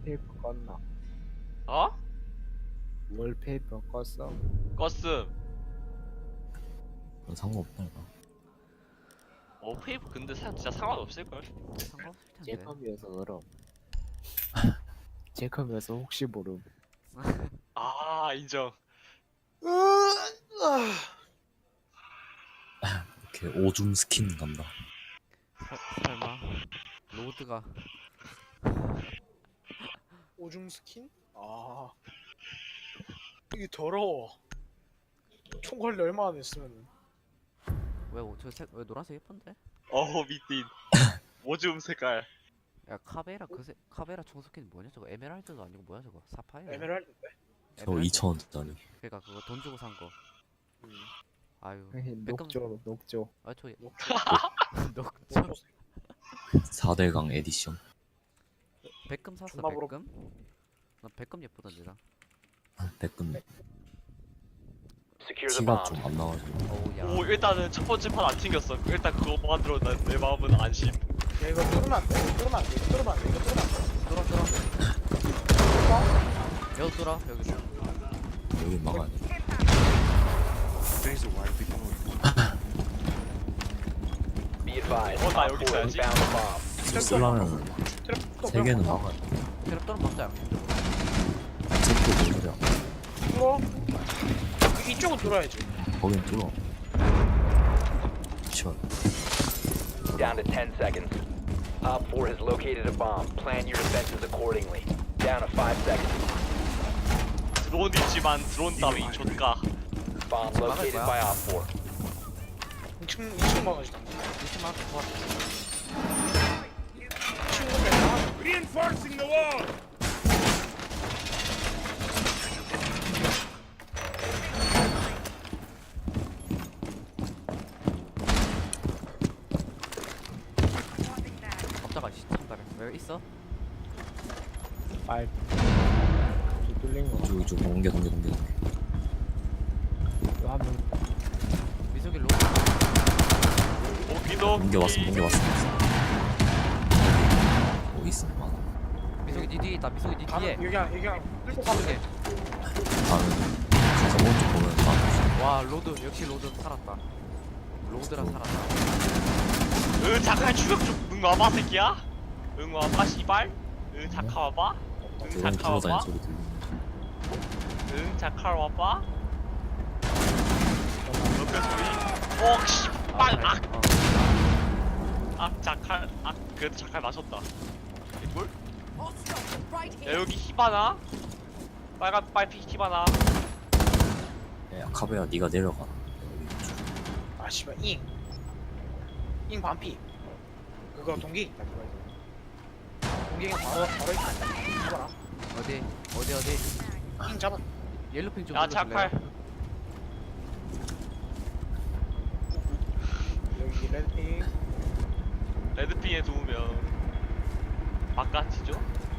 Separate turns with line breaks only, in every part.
월페이퍼 껐나?
어?
월페이퍼 껐어?
껐음.
상관없다 이거.
페이퍼 근데 진짜 상관없을걸?
상관없을 텐데.
제 컴이어서 그럼. 제 컴이어서 혹시 모름.
아 인정.
이렇게 오줌 스킨 간다.
설마 로드가
오줌 스킨? 아 이게 더러워. 총괄리 얼마나 됐으면.
왜 노란색 예쁜데?
미딘. 오줌 색깔.
야 카베라 총스킨 뭐냐 저거 에메랄드도 아니고 뭐야 저거 사파이어.
에메랄드인데?
저 2,000원짜리.
그러니까 그거 돈 주고 산 거. 아유.
녹조 녹조.
아저 녹
4대강 에디션.
백금 샀어
존나 부럽-
백금? 나 백금 예쁘던데 나.
백금
Secure the
티가
bomb.
좀 안 나가지고.
어우야.
오 일단은 첫 번째 판 안 튕겼어. 일단 그거만 들어 내 마음은 안심.
야 이거 뚫으면 안 돼. 이거 뚫으면 안 돼. 이거 뚫으면 안 돼. 이거 뚫으면 안 돼.
뚫어. 여기 뚫어 여기서.
여기 막아야 돼.
Be advised.
나
Op
여기
4 has
있어야지.
found the bomb.
쓰려면
트랩
3개는 막아야 돼.
트랩 뚫으면 막자.
체크 모르려.
뚫어. 이쪽은 뚫어야지.
거긴 뚫어. 시원.
Down to 10 seconds. Op 4 has located a bomb. Plan your defenses accordingly. Down to 5 seconds.
드론 있지만 드론 따위 좆가.
Bomb located
거야?
by Op 4.
2층 막아야지. 당근.
이렇게 막 좋았어.
2층은 내가
Reinforcing the wall!
갑자가 시청자래. 왜 있어?
빨. 뚫린 거.
이쪽 옮겨.
하면
미석이 로.
오기도.
옮겨왔어. 있어. 많아.
미석이 니 뒤에 있다. 미석이 니 뒤에.
여기 그냥 뚫고 가면 돼.
나는 가서 오른쪽 보면 다
와 로드 역시 로드 살았다. 로드랑 살았다.
잠깐 추격 좀. 와봐 새끼야. 와봐 씨발. 잠깐 와봐.
드론
잠깐
굴러다니는
와봐.
소리 들리는.
잠깐 와봐. 옆에 소리. 씨발. 자칼. 그래도 자칼 마셨다. 뭘? 야 여기 히바나. 빨간 빨피 히바나.
야 카베야 네가 내려가.
아 씨발 잉 반피. 그거 동기. 동기가 바로 있다. 잡아라.
어디?
잉 잡아.
옐로핑 좀
야
눌러줄래요?
자칼.
여기 레드핑.
레드핑에 두우면 바깥이죠?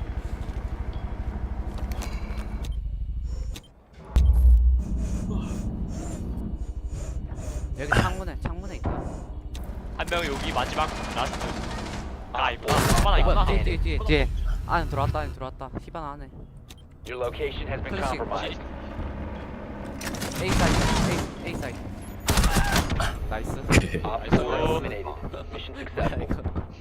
여기 창문에 있다.
한 명 여기 마지막 라스트. 있구나. 있구나.
뒤에. 안에 들어왔다. 히바나 안에.
Your location has been
Pushing.
compromised.
A 사이드. 나이스.
Op 4 eliminated. Mission successful.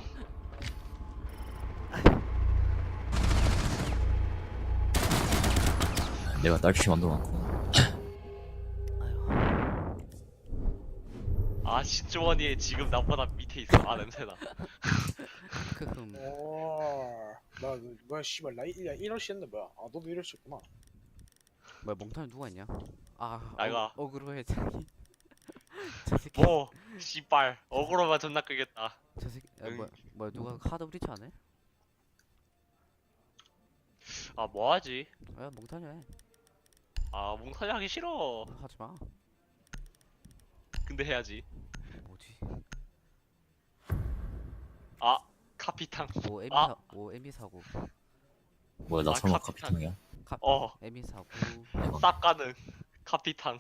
내가 딸피 만들어놨고.
신조원이 지금 나보다 밑에 있어. 냄새나.
크흠.
나 뭐야 씨발 나 이러시했는데 뭐야? 아 너도 이러셨구나.
뭐야 몽탄이 누가 있냐?
나가.
어그로해 자기. 저 새끼.
씨발. 어그로만 존나 끄겠다.
저 새끼.
응.
뭐야 누가 카드 브리치 안 해?
뭐하지?
야 몽탄이 해.
몽타주 하기 싫어.
하지 마.
근데 해야지.
뭐지?
카피탕.
에미 사고.
뭐야 나 설마
카피탕.
카피탕이야?
에미 사고.
쌉 가능. 카피탕.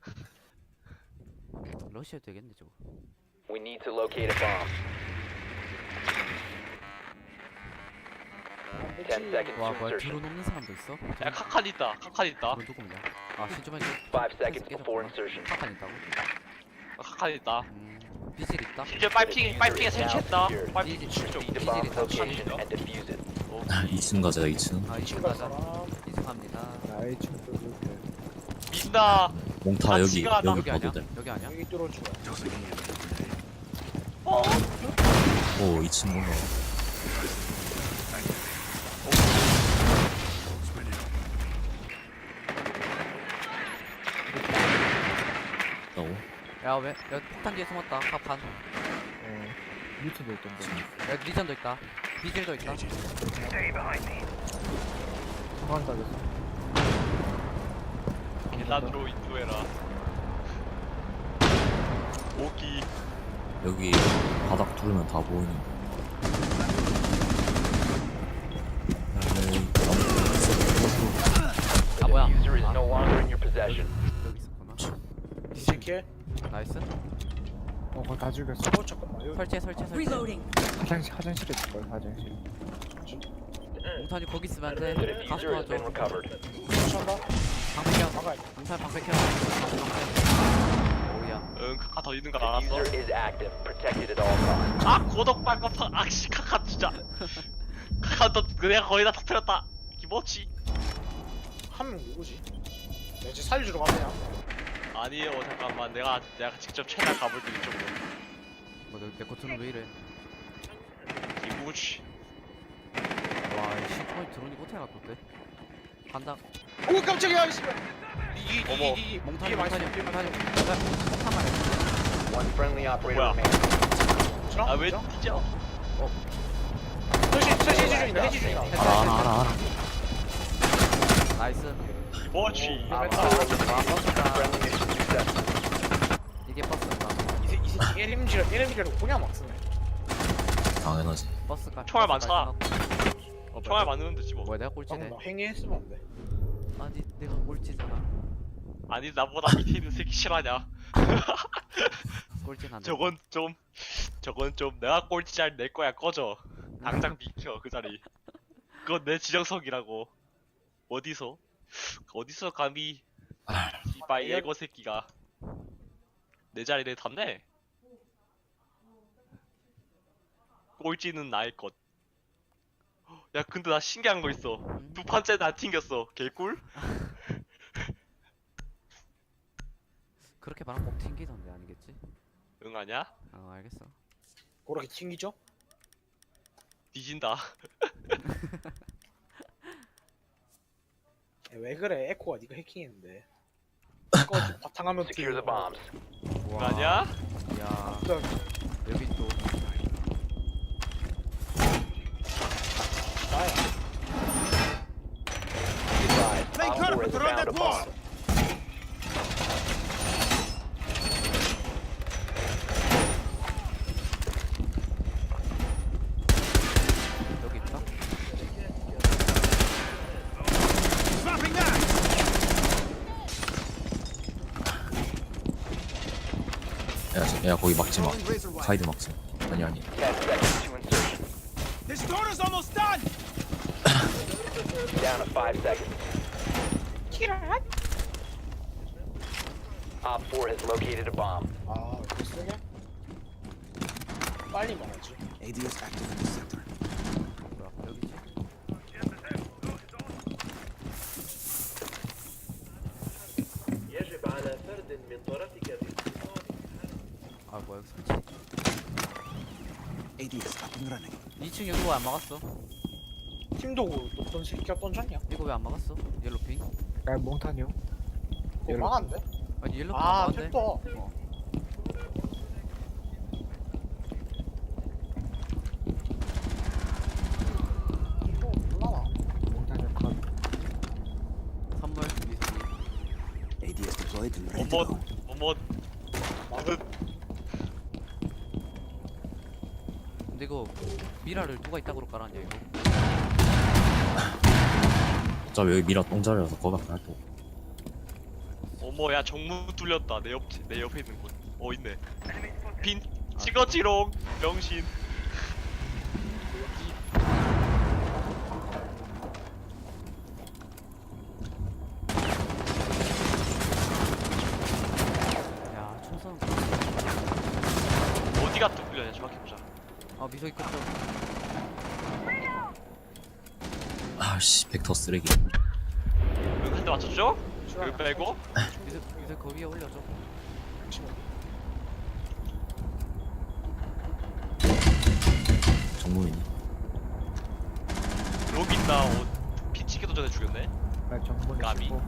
러시아도 되겠네 저거.
We need to locate a bomb. 10 seconds to
와 뭐야
insertion.
드론 없는 사람도 있어?
야 카칸 있다. 카칸 있다.
드론 누구냐? 아 신주만
5 seconds before insertion.
카칸 있다고?
카칸 있다.
비질 있다?
심지어 빨핑에 설치했다. 빨핑
비질
Proceed to
비질
bomb
있다
location and defuse it.
2층 가자 2층.
아 2층
친구
가자
사람
2층 갑니다
나의 친구들 그렇게.
민다.
몽타 여기
같이 가다.
여기
여기 아니야?
봐도 돼.
여기 아니야?
여기 뚫어주고.
어?
오 2층 올라. 나오.
야왜 야 폭탄 뒤에 숨었다 카판
밑에도 있던데.
야 리전도 있다 비질도 있다
소환 따졌어.
계단으로 인도해라. 오기.
여기 바닥 뚫으면 다 보이는 거.
아 뭐야
User is
아,
no longer in your possession.
여기 있었구나
이새끼.
나이스
거의 다 죽였어.
잠깐만. 여기
설치해 설치해
화장실에 있을 걸 화장실.
몽탄이 거기 있으면
The
안돼 가서
diffuser has been
도와줘
recovered.
설치한다.
방패켜
막아.
몽탄 방패켜 오우야
응 카칸 더 있는 거
The
알았어.
diffuser is active, protected at all times.
아 고독 빨갛다. 아씨 카칸 진짜. 카칸 또 내가 거의 다 터뜨렸다. 기모치.
한 명 누구지? 내가 이제 살려주러 갔냐?
아니에요 잠깐만 내가 직접 최단 가볼게 이쪽으로.
뭐내 코트는 왜 이래
기모치.
와이 시프트 드론이 호텔 갔던데 간다
오 깜짝이야 씨발.
어머.
이기
몽탄이
이게 많이
몽탄이
있어.
몽탄이 폭탄 말해
One friendly operator
뭐야?
remaining.
아왜 뛰죠?
설치 중이다. 해지 중이다.
알아.
나이스
기모치.
Op 4 eliminated. Friendly mission successful.
이게 버스인가
이 새끼 LMG를 그냥 막 쓰네.
당연하지.
버스가
총알
버스가
많잖아.
지나고.
총알 맞으면 되지 뭐.
뭐야 내가 꼴찌네
방금 나 행위했으면 안 돼.
아니 내가 꼴찌잖아
아니 나보다 밑에 있는 새끼 실화냐?
꼴찌는 안돼
저건 좀 내가 꼴찌 자리 내 거야 꺼져. 당장 비켜 그 자리. 그건 내 지정석이라고. 어디서 감히 이바이 예거 새끼가 내 자리를 탐내? 꼴찌는 나의 것. 야 근데 나 신기한 거 있어. 두 판째 나 튕겼어. 개꿀?
그렇게 말하면 꼭 튕기던데 아니겠지?
응 아냐?
아 알겠어
그렇게 튕기죠?
뒤진다.
야, 왜 그래? 에코가 네가 해킹했는데. 에코가 바탕화면
Secure the bombs.
응 아냐?
야
또
여기 또
나야.
Be advised,
Play
Op 4
curve
has
around
found a
that wall.
bomb.
여기 있다
Dropping that.
야 거기 막지 마. 카이드 막지. 아니
10 seconds to insertion.
This door is almost done.
Down to 5 seconds. Op 4 has located a bomb.
아, 이거 쓰냐? 빨리 말하지.
뭐야 여기지? 아 뭐야 여기 설치 2층 여기 왜 안 막았어?
팀도구 어떤 새끼가 던졌냐?
이거 왜 안 막았어? 옐로핑?
야 몽탄이요?
그거 막았는데?
아니 옐로핑
아,
막았네
템도.
어.
몰라.
몽탄이 컷.
선물 미선이
뭐뭐
맞아.
근데 이거 미라를 누가 이따구로 깔았냐 이거
어차피 여기 미라 똥자리라서 거밖에 할 거.
어머 야 정문 뚫렸다. 내 옆에 있는 곳. 있네. 빈 찍었지롱. 명신.
저기 끝쪽.
아씨 벡터 쓰레기.
여기 한 대 맞췄죠? 여기 빼고
이제 그 위에 올려줘.
정문이니.
여기 있다. 피치기도 전에 죽였네.
나 정문에
까비.
15.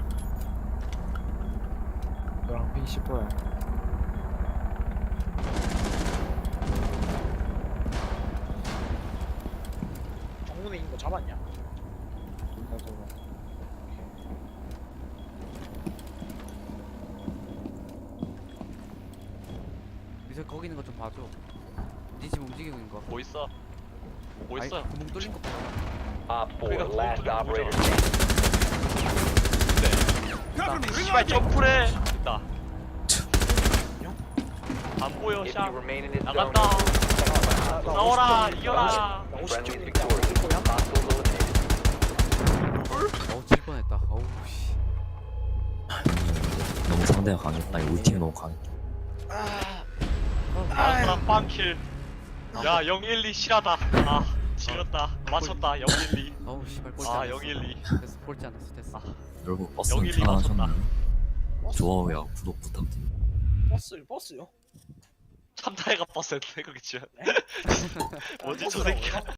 너랑 핑 15야.
정문에 있는 거 잡았냐?
나 저거.
이제 거기 있는 거 좀 봐줘. 니 지금 움직이고 있는 거.
뭐 있어? 뭐
아니,
있어?
구멍 뚫린 거 봐.
Op 4,
그러니까
last
그것도
operator
보자.
standing.
Cover me!
씨발
Reloading!
점프래. 있다. 안 보여
If
샤.
you remain in this zone,
나간다.
나
싸워라
50점
이겨라.
나
friendly
50점
victorious. Hostiles eliminated.
어우 질 뻔했다. 어우 씨.
너무 상대가 강했다. 아니 우리 팀이 너무 강해.
나랑 빵킬. 야 012 실하다. 아 지렸다. 맞췄다 012.
어우 씨발 꼴찌
아
않았어.
012.
됐어 꼴찌 않았어 됐어.
여러분 버스는
012 맞췄다.
편하셨나요?
버스,
좋아요와 구독 부탁드립니다.
버스요?
참다해가 버스였네 거기 지금. 뭐지 저 새끼.